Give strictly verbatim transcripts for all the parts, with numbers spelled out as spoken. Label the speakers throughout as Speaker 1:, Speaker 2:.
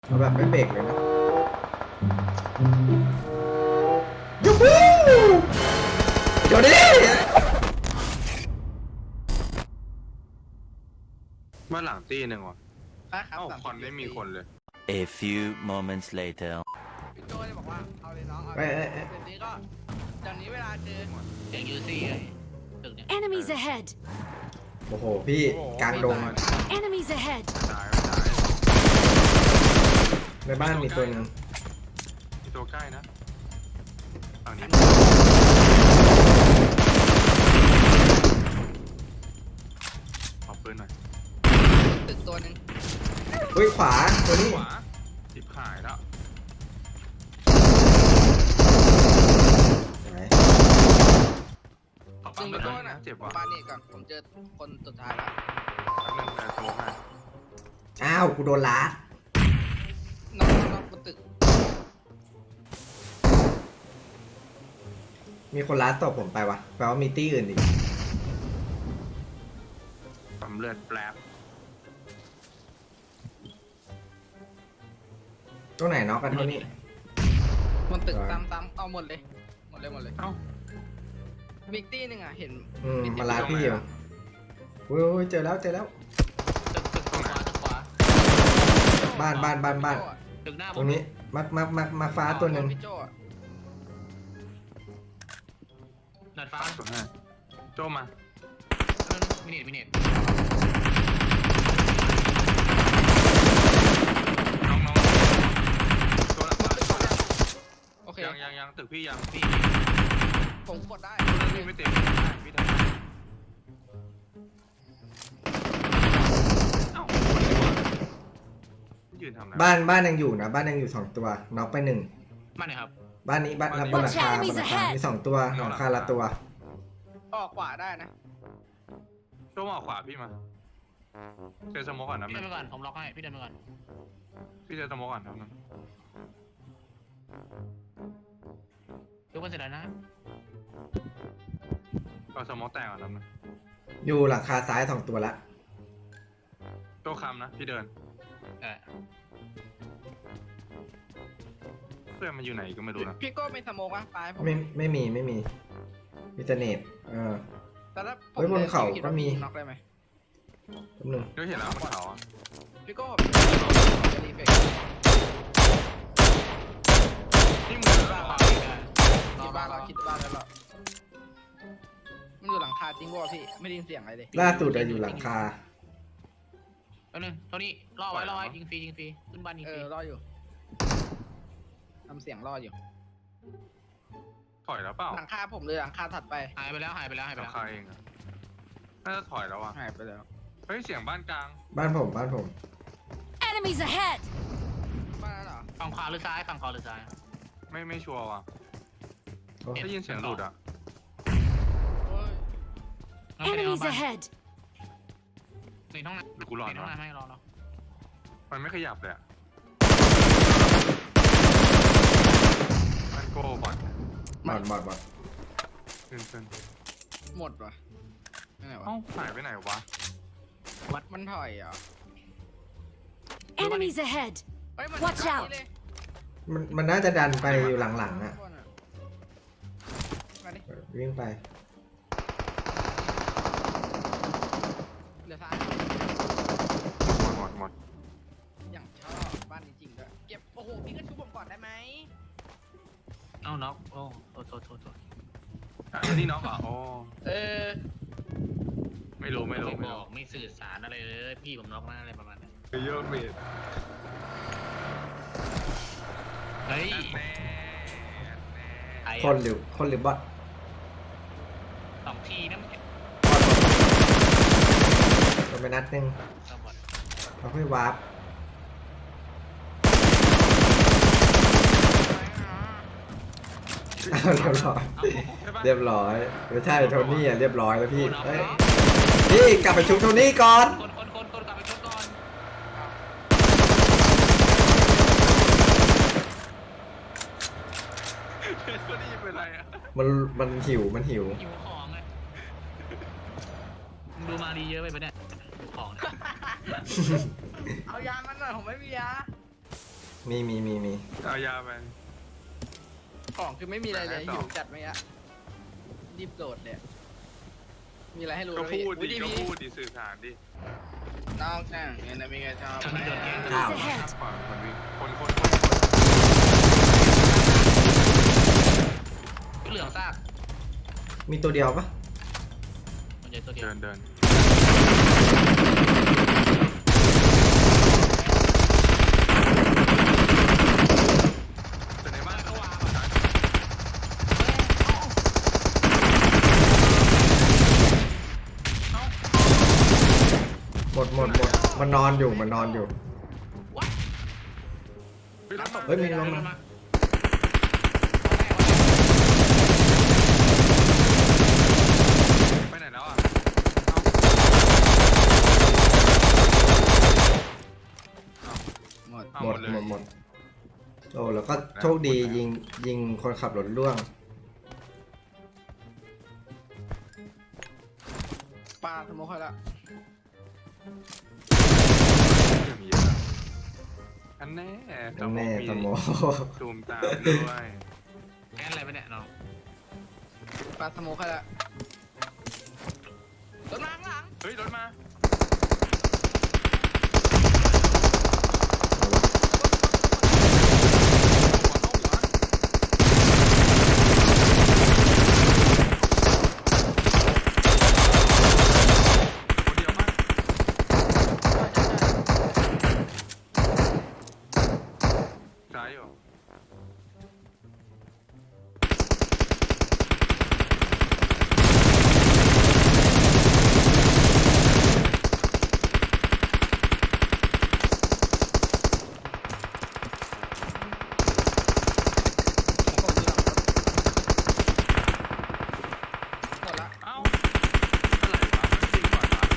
Speaker 1: เอาแบบไม่เบรกเลยนะยูฮูเดี๋ยวนี้
Speaker 2: บ้านหลังตีหนึ่งว่ะ
Speaker 3: ป้าครับ
Speaker 2: เอ้าคอนไม่มีคนเลย
Speaker 4: A few moments later
Speaker 3: พี่โจเลยบอกว่าเอาเลยน้องเอา
Speaker 1: เอ้
Speaker 3: เลย ย
Speaker 1: เอ้ยเอ้ย
Speaker 3: เดี๋ยวนี้ก็จากนี้เวลาเจอ
Speaker 5: เองยูซี่ไอ้ตึกเนี่ย
Speaker 6: Enemies ahead!
Speaker 1: โอ้โหพี่กลางดง
Speaker 6: Enemies ahead!
Speaker 2: ตายไม่ตาย
Speaker 1: ในบ้านมีตัวหนึง
Speaker 2: มีตัวใกล้นะฝั่งนี้ขอปืนหน่อย
Speaker 3: ตึกตัวหนึ่ง
Speaker 1: เฮ้ยขวาตัวนี้
Speaker 2: ขวาจิบหายแล้ว
Speaker 1: ไหน
Speaker 2: ขอ
Speaker 3: ตึ
Speaker 2: ปั๊
Speaker 3: ก
Speaker 2: ม
Speaker 3: ไป
Speaker 2: ไป
Speaker 3: โจ
Speaker 2: ก่อน
Speaker 3: น่ะ
Speaker 2: นะเจ็บ
Speaker 3: ผม
Speaker 2: ว่ะ
Speaker 3: ปาเนตก่อนผมเจอคนสุดท้ายแล้ว
Speaker 2: แป๊บนึงแต่สโมกให้
Speaker 1: อ้าวกูโดนลาด
Speaker 3: น้องน้องบนตึก
Speaker 1: มีคนลาดตบผมไปวะแปลว่ามีตี้อื่นอีก
Speaker 2: ปั๊มเลือดแป๊บ
Speaker 1: ตัวไหนน็อกกันเท่านี้
Speaker 3: บนตึก
Speaker 1: ได้
Speaker 3: ตามตามเอาหมดเลยหมดเลยหมดเลย
Speaker 2: เอ้า
Speaker 3: มิกตี้หนึ่งอ่ะเห็น
Speaker 1: อืมมาลาดพี่อยู่โอ้ยโอ้ยเจอแล้วเจอแล้ว
Speaker 5: ตึกตึกขวาตึกขวา
Speaker 1: บ้านบ้านบ้านบ้าน
Speaker 5: ตึกหน้าผ
Speaker 1: ตร
Speaker 5: ม
Speaker 1: งนี้มามามามาฟ้าตัวหนึ่ง
Speaker 3: พี่โจอะ
Speaker 5: หนัดฟ้า
Speaker 2: ตัวให้โจมา
Speaker 5: มินิทมินิท
Speaker 2: น้องน้องตัวหลังบ้าน
Speaker 3: โอเค
Speaker 2: ยังยังยังตึกพี่ยังพี่
Speaker 3: ผมกดได้
Speaker 2: พี่ไม่เต็มพี่ทำเอ้าคนดีกว่ายืนทำอะไร
Speaker 1: บ้านบ้านยังอยู่นะบ้านยังอยู่สองตัวน็อกไปหนึ่ง
Speaker 5: มาหน่อยครับ
Speaker 1: บ้านนี้บ้านบนหลังคาบนหลังคามีสองตัวหลังคาละตัว
Speaker 3: ออกขวาได้นะ
Speaker 2: โจมาขวาพี่มาเจอสโมกก่อนนะ
Speaker 5: พี่เดินไปก่อนผมล็อกให้พี่เดินไปก่อน
Speaker 2: พี่เจอสโมกก่อนครับนึง
Speaker 5: ยกไปเสร็จแล้วนะ
Speaker 2: เอาสโมกแตกก่อนครับนึง
Speaker 1: อยู่หลังคาซ้ายสองตัวละ
Speaker 2: โจคำนะพี่เดิน
Speaker 5: เออ
Speaker 2: เพื่อนมันอยู่ไหนก็ไม่รู้นะ
Speaker 3: พี่โก้มีสโมกวะปลายผม
Speaker 1: ไม่ไม่มีไม่มีมีแต่เน็ตเออ
Speaker 3: แต่ถ้าผม
Speaker 1: เฮ้ยบนเขา
Speaker 3: คิด
Speaker 1: ก็
Speaker 3: ว่า
Speaker 1: มี
Speaker 3: น็อกได้ไหม
Speaker 1: แป๊บนึง
Speaker 2: เดี๋ยวเห็นแล้วบนเขาอะ
Speaker 3: พี่โก้รีเฟก
Speaker 2: นี่มือ
Speaker 5: ขวา
Speaker 2: ขวา
Speaker 5: อีกได้
Speaker 3: คิดบ้านเราคิดบ้านแล้วหรอมันอยู่หลังคาจริงวะพี่ไม่ได้ยินเสียงอะไรเลย
Speaker 1: ล่าสุดอะอยู่หลังคา
Speaker 5: แป๊บนึงเท่านี้รอไว้รอไว้ยิงฟรียิงฟรีขึ้นบ้านยิง
Speaker 3: เอ
Speaker 5: ฟรี
Speaker 3: อรออยู่ทำเสียงรออยู่
Speaker 2: ถอยแล้วเปล่า
Speaker 3: หลังคาผมเลยหลังคาถัดไป
Speaker 5: หายไปแล้วหายไปแล้วหายไป
Speaker 2: หลั
Speaker 5: แล้
Speaker 2: ง
Speaker 5: ว
Speaker 2: คาเองอะน่าจะถอยแล้วอะ
Speaker 3: หายไปแล้ว
Speaker 2: เฮ้ยเสียงบ้านกลาง
Speaker 1: บ้านผมบ้านผม
Speaker 6: Enemies ahead!
Speaker 3: บ้านนั้นเหรอ
Speaker 5: ฝั่งขวาหรือซ้ายฝั่งขวาหรือซ้าย
Speaker 2: ไม่ไม่ชัวร์ว่ะ
Speaker 1: โอ้
Speaker 2: ได้ยินเสียงหลุดอะ
Speaker 3: โอ้ย
Speaker 5: งั้นไปในห้อง
Speaker 6: Enemies
Speaker 5: บ้าน
Speaker 6: ahead!
Speaker 5: ในห้องน้
Speaker 2: หรือกู
Speaker 5: ำ
Speaker 2: หลอน
Speaker 5: ในห้อง
Speaker 2: วะ
Speaker 5: น้ำให้รอเนาะ
Speaker 2: มันไม่ขยับเลยอะมันโก้บอด
Speaker 1: บอดบอดบอด
Speaker 2: ขึ้นขึ้น
Speaker 3: หมดวะไม่ไหนวะ
Speaker 2: เอ้าหายไปไหนวะ
Speaker 3: มันถอยเหรอ
Speaker 6: Enemies ahead!
Speaker 3: เฮ้ยมัน
Speaker 6: Watch out
Speaker 3: เลย
Speaker 1: มันมันน่าจะดันไปอยู่หลังๆอะ
Speaker 3: มาดิ
Speaker 1: วิ่งไป
Speaker 3: เหลือซ้าย
Speaker 2: หมดหมดหมด
Speaker 3: อย่างชอบบ้านจริงๆด้วยเก็บโอ้โหพี่ก็ชูผมก่อนได้ไหม
Speaker 5: เอ้าน็อกโอ้โทษโทษโทษโทษ
Speaker 2: อ่ะนี่น้องเหรอโอ้
Speaker 3: เออ
Speaker 2: ไม่รู้ไม่รู้
Speaker 5: ไม่
Speaker 2: ไม่
Speaker 5: บอ
Speaker 2: รู้
Speaker 5: กไม่สื่อสารอะไรเลยพี่ผมน็อกหน้าอะไรประมาณนั้น
Speaker 2: เยอะเมด
Speaker 5: เฮ้ย
Speaker 2: แน่แน่
Speaker 5: ไอ้
Speaker 1: คนหรือคนหรือบอท
Speaker 5: สองทีนะมันเก็บ
Speaker 1: โดนไปนัดหนึง
Speaker 5: ก็หมด
Speaker 1: เขาค่อยวาร์ปอ้าวเรียบร้อย
Speaker 2: ใช่ปะ
Speaker 1: เรียบร้อยไม่ใช่โทนี่อะเรียบร้อยแล้วพี่เอ้ยพี่กลับไปชุบโทนี่ก่อน
Speaker 5: คนคนคนคนกลับไปชดก่อน
Speaker 2: ก็ได้ยินเป็นไรอะ
Speaker 1: มันมันหิวมันหิว
Speaker 5: หิวของไงมึงดูมาดีเยอะไปปะเนี่ยหิวของเนี่ย
Speaker 3: เอายามันหน่อยผมไม่มียา
Speaker 1: มีมีมีมี
Speaker 2: เอายาไป
Speaker 3: ของคือไม่มีอะไรเลย
Speaker 2: ไหนต่อ
Speaker 3: หิวจัดไหมอะรีบโดดเลยมีอะไรให้รู้
Speaker 2: ก็
Speaker 3: ไหม
Speaker 2: พูด
Speaker 3: อุ๊
Speaker 2: ดิ
Speaker 3: ย
Speaker 2: ก็
Speaker 3: พี่
Speaker 2: พูดดิสื่อสารดิ
Speaker 3: น้องช่างเอ็นมีไงชอบ
Speaker 5: ทำให้โดนแกล้ง
Speaker 1: อ้าว
Speaker 6: Enemies ahead.
Speaker 2: ขวาคนวิ่งคนคนคน
Speaker 5: เหลืองซาก
Speaker 1: มีตัวเดียวปะ
Speaker 5: มันใหญ่ตัวเดียว
Speaker 2: เดินเดินเป็นในบ้านเขาวาง
Speaker 1: หมดหมดหมดมันนอนอยู่มันนอนอยู่ เฮ้ยมีลงมา
Speaker 2: ไปไหนแล้วอ่ะ
Speaker 3: หมด
Speaker 2: เอา
Speaker 1: หมด
Speaker 2: เลย
Speaker 1: หมดหมดโอ้แล้วก็โชคดียิงยิงคนขับรถล่วง
Speaker 3: ปลาสโมกให้ละ
Speaker 2: เรื่องเยอะอันแน่
Speaker 1: แน่ตะโม
Speaker 2: ซูมตามด้วย
Speaker 5: แกล้งอะไรไปเนี่ยน้อง
Speaker 3: ปลาสโมกให้ละรถมาข้างหลัง
Speaker 2: เฮ้ยรถมาคนเดียวป่ะซ้ายอยู่
Speaker 3: หมดละ
Speaker 2: เอ้าอะไรวะมันจริงก่อนวะ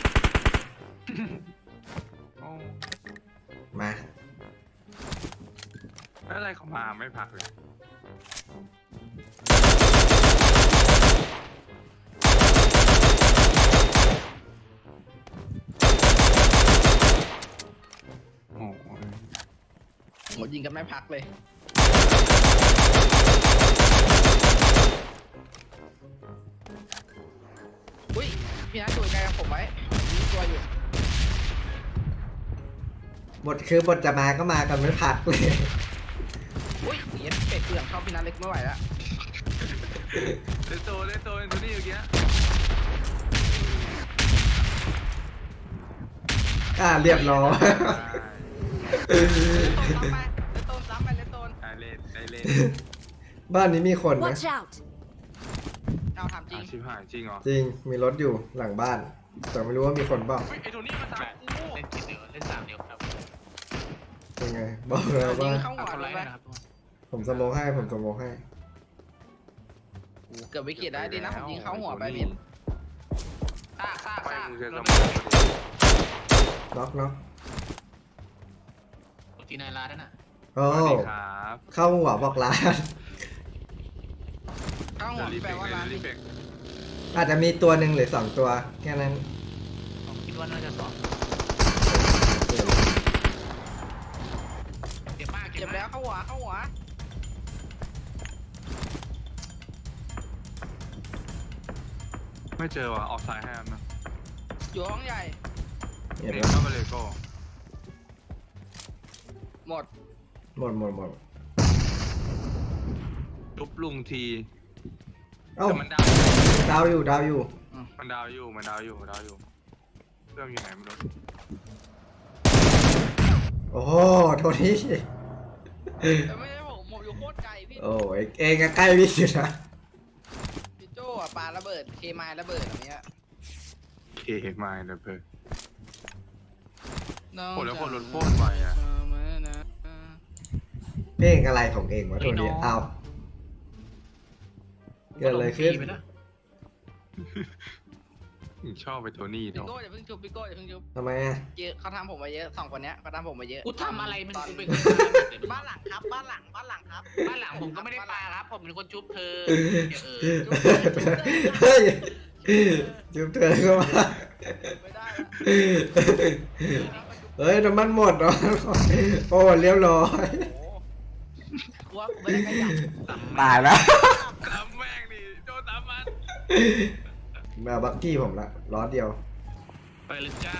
Speaker 2: โอ้
Speaker 1: มา
Speaker 2: แล้วอะไรเขามาไม่พักเลยโอ้โห
Speaker 3: หมดยิงกันไม่พักเลยอุ้ยพี่นัทดูไกลกับผมไว้มีตัวอยู่
Speaker 1: บทคือบทจะมาก็มากันไม่พักเลย
Speaker 3: อุ้ยเหี้ยเป็ดเปลืองเข้าพี่นัทเล็กไม่ไหวแล้ว
Speaker 2: เลนโตเลนโตเลนโทนี่เมื่อกี้
Speaker 1: อ่าเรียบร้อย
Speaker 3: เลตโตนซ้ำไปเลตโตน
Speaker 2: ได้เล่นได้เล่น
Speaker 1: บ้านนี้มีคนนะ
Speaker 6: Watch out.
Speaker 3: เอาถามจริ
Speaker 2: อาง ชิบหายจริงเหรอ
Speaker 1: จริงมีรถอยู่หลังบ้าน แต่ไม่รู้ว่ามีคนเปล่า
Speaker 2: เฮ้ยไอ้โทนี่มาตามกู
Speaker 5: เล่นกินเดียวเล่นสามเดียวครับ
Speaker 1: ยังไงบอกเลย
Speaker 3: ยิ
Speaker 1: ว่าง
Speaker 3: เข้าหั
Speaker 5: เอา
Speaker 3: ว
Speaker 5: คน
Speaker 3: เล
Speaker 5: ไร้
Speaker 3: ยไหม
Speaker 5: นะครับ
Speaker 1: ผมสโมกให้ผมสโมกให้
Speaker 3: เกือบวิกฤตได้ดีนะผมยิงเข้าหัวไปมิด
Speaker 5: ซากซาก
Speaker 2: ไป
Speaker 5: ซาก
Speaker 2: มึงจะ
Speaker 5: ร
Speaker 2: ส
Speaker 5: ถ
Speaker 2: มอง
Speaker 1: น็อกน็อก
Speaker 5: ตีนายลาด้วยนะ
Speaker 1: โอ้
Speaker 2: สวัสดีครับ
Speaker 1: เข้าหัวบอกร้าน
Speaker 3: เข้าหั
Speaker 2: เดี๋ยว วรี
Speaker 3: แป
Speaker 2: เฟ
Speaker 3: ล
Speaker 2: ก
Speaker 3: ว่า
Speaker 2: เดี๋ย
Speaker 3: ร้าน
Speaker 2: วรีเฟก
Speaker 1: อาจจะมีตัวหนึ่งหรือสองตัวแค่นั้น
Speaker 5: ผมคิดว่าน่าจะสองเจ็บมาก
Speaker 3: เจ็บแล้วเข้าหัวเข้าหัว
Speaker 2: ไม่เจอว่ะออกสายให้อันนะ
Speaker 3: อยู่ห้องใหญ่
Speaker 1: เห็น
Speaker 2: เด็
Speaker 1: ไห
Speaker 2: ก
Speaker 1: ม
Speaker 2: เข้ามาเลโก้
Speaker 3: หมด
Speaker 1: หมดหมดหมด
Speaker 2: ทุบลุงที
Speaker 1: เอ้า
Speaker 2: แต่มันดาว
Speaker 1: ดาวอยู่ดาวอยู่
Speaker 2: มันดาวอยู่มันดาวอยู่ดาวอยู่เครื่องอยู่ไหนไม่รู้
Speaker 1: โอ้โหโทนี่
Speaker 3: แต่ไม่ใช่ผมผมอยู่โคตรไกลพี่
Speaker 1: โอ้ยเองก็ใกล้พี่อยู่นะ
Speaker 3: พี่โจ้อะปาระเบิดเคมายระเบิดแบบเนี้ย
Speaker 2: เคมาเลยเพื่อน
Speaker 3: น้อง
Speaker 2: โอ้แล้วคนรถโคตรไวอะ
Speaker 3: มานะ
Speaker 1: เพลงอะไรของเองวะโทนี่เอ้าเกิดอะไรขึ้น
Speaker 5: ไปแล้ว
Speaker 2: ชอบไปโทนี่
Speaker 3: พี่
Speaker 2: เนาะ
Speaker 3: โก้อย่าเพิ่งจุบพี่โก้อย่าเพิ่งจุบ
Speaker 1: ทำไมอ่ะ
Speaker 3: เยอะเขาทำผมมาเยอะสองคนเนี้ยเขาทำผมมาเยอะ
Speaker 5: กูทำอะไรมัน
Speaker 3: ตอน
Speaker 5: กูเป็น
Speaker 3: บ้านหลังครับบ้านหลังบ้านหลังครับ
Speaker 5: บ้านหลังผมก็ไม่ได้ปลาครับ ผมเป็นคนชุบเธอเออ
Speaker 1: เฮ้ยจุ๊บเธอก็มา
Speaker 3: ไม่ได้
Speaker 1: เ
Speaker 3: นะ
Speaker 1: เฮ้ยน้ำมันหมดเหรอโอ้เรียบร้อย
Speaker 3: กลัวกูไม่ได้ขยับ
Speaker 1: ตายแล้ว
Speaker 2: ตามแม่งดิโจตามมัน
Speaker 1: มาบักกี้ผมละล้อเดียว
Speaker 5: ไปเลยจ้า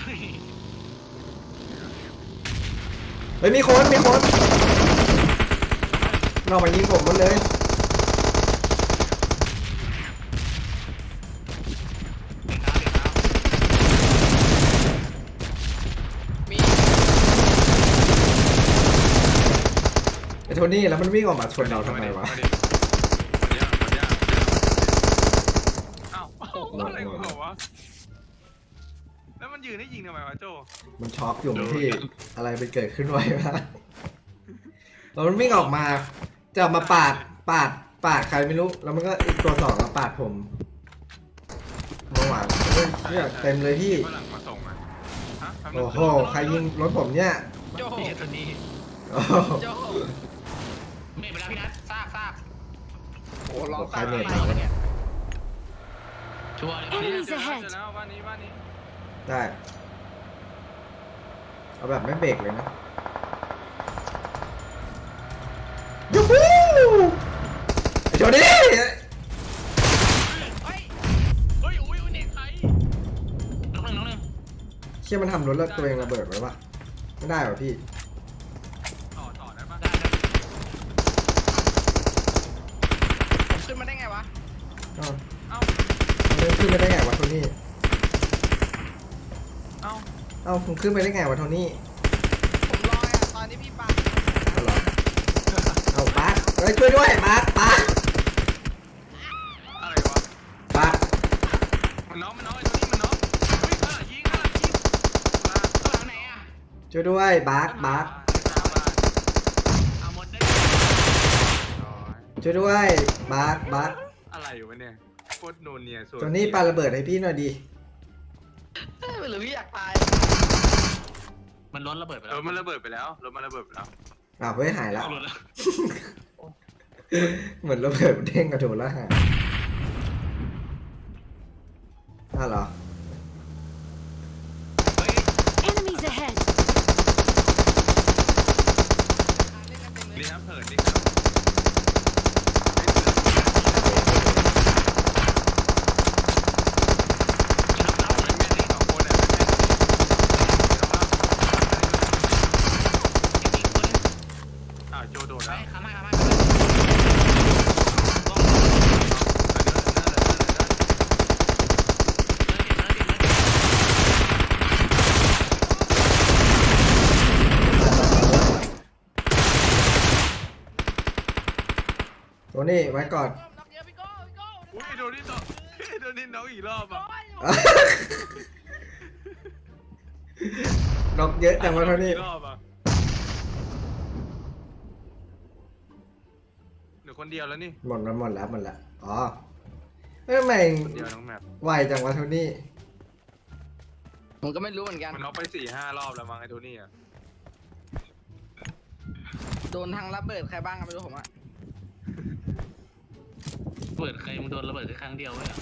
Speaker 1: เฮ้ยมีคนมีคนนอกมายิงผมหมดเลย
Speaker 5: เด็กเท้าเด็กเท้า
Speaker 3: มี
Speaker 1: ไอ้โทนี่แล้วมันวิ่งออกมาชนเราทำไมวะ
Speaker 2: มาดิมาดิมาดิมาดิอ้าวอะไรของเขาวะแล้วมันยืนให้ยิงทำไมวะโจ
Speaker 1: มันช็อกอยู่มั้งพี่อะไรไปเกิดขึ้นไว้วะแล้วมันวิ่งออกมาจะมาปาดปาดปาดใครไม่รู้แล้วมันก็อีกตัวสองมาปาดผมเมื่อวานเฮ้ยเนี่ยเต็มเลยพี่
Speaker 2: ฝรั่งมาส่งอ่ะฮะแป๊บนึง
Speaker 1: โอ้โหใครยิงรถผมเนี่ย
Speaker 3: โจ
Speaker 5: พี่ตัวนี้
Speaker 1: โอ้โห
Speaker 3: โจ
Speaker 5: ไม่ไปแล้วพี่นัทซากซาก
Speaker 3: โอ้ร้อง
Speaker 1: ใคร
Speaker 3: ตาม
Speaker 1: เน็ต
Speaker 3: อะไรเนี่ย
Speaker 5: ชัวร์เลย
Speaker 6: Enemies
Speaker 2: เจอแล้ว
Speaker 6: ahead
Speaker 2: เจอแล้วบ้านนี้บ้านนี้
Speaker 1: ได้เอาแบบไม่เบรกเลยนะยูฮูไอ้โจนี่
Speaker 3: เฮ้ย
Speaker 5: เฮ้ยอุ้ยอุ้ยเน็ตใครน้องหนึ่งน้องหนึ่ง
Speaker 1: เชี่ยมันทำรถแล้วตัวเองระเบิดไว้ปะไม่ได้หรอพี่
Speaker 2: ต่อต่อได้ปะ
Speaker 5: ได้ได้
Speaker 3: ผมขึ้นมาได้ไงวะ
Speaker 1: เอ้า
Speaker 2: เอ้า
Speaker 1: มันเดินขึ้นไปได้ไงวะโทนี่
Speaker 2: เอ้า
Speaker 1: เอ้าคุณขึ้นไปได้ไงวะโทนี่
Speaker 3: ผมลอยอ่ะตอนนี้พี่ปัง
Speaker 1: เอาเหรอเอาปาร์คเฮ้ยช่วยด้วยปาร์คปาร์ค
Speaker 2: อะไรวะ
Speaker 1: ปาร์ค
Speaker 2: มันน้องมันน้องไอ้ตัวนี้มันน้องเฮ้ยข้างหลังยิงข้างหลังยิงมา
Speaker 5: ตัวหลังไหนอ่ะ
Speaker 1: ช่วยด้วยปาร์คปาร์ค
Speaker 5: เอาหมดได้
Speaker 1: ช่วยด้วยปาร์คปาร์ค
Speaker 2: อะไรอยู่วะเนี่ยโคตรโนเนียสวย
Speaker 1: โทนี่ปาระเบิดให้พี่หน่อยดิ
Speaker 3: เอ้ยหรือพี่อยากตาย
Speaker 5: มันล้นระเบิดไป
Speaker 2: เอ
Speaker 5: แล้ว
Speaker 2: อมันระเบิดไปแล้วรถมันระเบิดไปแล้ว
Speaker 1: อ้าวเฮ้ยหายแล้ว
Speaker 5: เอาหลุดแล้ว
Speaker 1: เหมือนระเบิดเด้งกระโดดแล้วหายอ้าวเหรอ
Speaker 5: เฮ้ย
Speaker 6: Enemies ahead!
Speaker 3: เล่นกันเต็มเล
Speaker 2: นี่
Speaker 3: ย
Speaker 2: ครับเผินนี่ครับเอาไว้แม่นี่สองคนอ่ะ
Speaker 5: อีกคนนึง
Speaker 2: อ้าวโจโดด
Speaker 5: ไป
Speaker 2: แล้ว
Speaker 5: ขามาขามา
Speaker 1: โทนี่ไว้ก่อน
Speaker 3: น็อกเยอะพี่โก้พี่โก้
Speaker 2: อุ้ยโดนนี่ต่อโดนนี่น้องอีกรอบอ่ะ
Speaker 1: นกเยอะจังวะโทนี่
Speaker 2: อีกรอบอ่ะเหลือคนเดียวแล้วนี่
Speaker 1: หมดแล้วหมดแล้วหมดแล้วอ๋อเอ้ยทำไม
Speaker 2: คนเดียวน้องแมป
Speaker 1: ไวจังวะโทนี่
Speaker 3: ผมก็ไม่รู้เหมือนกัน
Speaker 2: มันน็อกไปสี่ห้ารอบแล้วมั้งไอ้โทนี่อ่ะ
Speaker 3: โดนทางระเบิดใครบ้างก็ไม่รู้ผมอ่ะ
Speaker 5: เปิดใครมึงโดนระเบิดแค่ครั้งเดียวเว้ย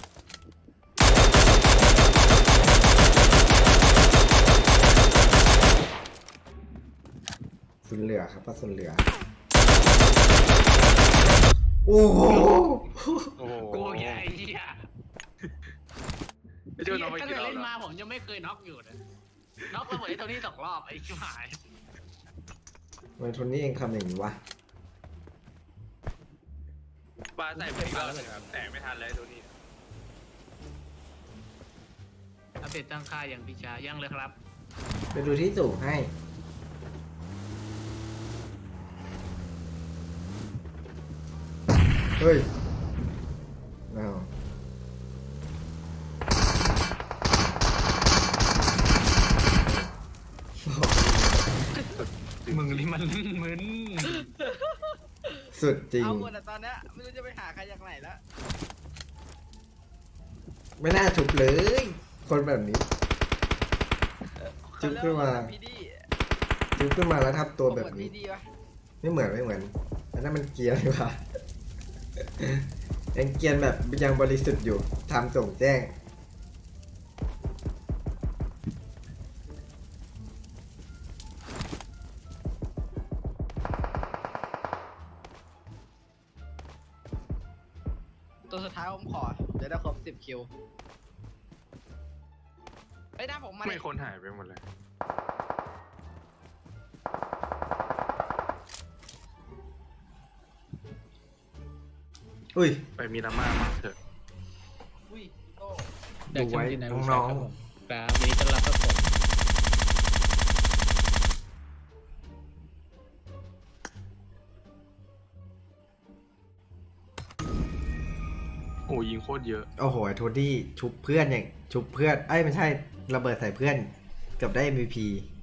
Speaker 1: สุนเหลือครับป้าสุนเหลือโอ้โห
Speaker 2: โอ้โห
Speaker 5: กูแย่ไอ้เหี้ย
Speaker 2: ไอ้โจน็อกไป
Speaker 5: ตั้ง
Speaker 2: กี่
Speaker 5: แต่
Speaker 2: รอบ
Speaker 5: เล่น
Speaker 2: แล้ว
Speaker 5: มาผมยังไม่เคยน็อกอยู่เลยน็อกระเบิดไอ้เท่านี้สองรอบไอ้ชิบหาย
Speaker 1: ทำไมโทนี่เองทำอย่างนี้วะ
Speaker 2: ปลาใส่ไปอีกรอบหนึงครับแต่ไม่ทันเลยไอ้โทนี่
Speaker 5: อัปเดตตั้งค่าอย่างพิชายังเลยครับ
Speaker 1: ไปดูที่สูงให้เฮ้ยอ้าว
Speaker 5: มึงนี่มันมึน
Speaker 1: สุดจริง
Speaker 3: เอาหมดอ่ะตอนเนี้ยไม่รู้จะไปหาใครจากไหนแล้ว
Speaker 1: ไม่น่าถูกเลย คนแบบนี้ จุ๊บขึ้นมา
Speaker 3: พี่ดี
Speaker 1: จุ๊บขึ้นมาแล้วทับตัวแบบ
Speaker 3: เหมือน
Speaker 1: นี้
Speaker 3: พี่ดีปะ
Speaker 1: ไม่เหมือนไม่เหมือนอันนั้นมันเกรียร์ดีกว่า ยังเกรียร์แบบยังบริสุทธิ์อยู่ทำส่งแจ้ง
Speaker 3: ตัวสุดท้ายผมขอเดี๋ยวได้ครบสิบคิวไอ้ยหน้าผมมา
Speaker 2: ไม่
Speaker 3: ดิ
Speaker 2: คนหายไปหมดเลย
Speaker 1: อุ้ย
Speaker 2: ไปมีดราม่ามากเถอะ
Speaker 3: อุ้ยโต้
Speaker 1: ดูไว้น้อง
Speaker 7: ครับวันนี้ต้อนรับครับผม
Speaker 2: โอ้ยิงโคตรเยอะ
Speaker 1: ๆโอ้โหไอ้โทดี้ชุบเพื่อนอย่างชุบเพื่อนเอ้ยไม่ใช่ระเบิดใส่เพื่อนเกือบได้ เอ็ม วี พี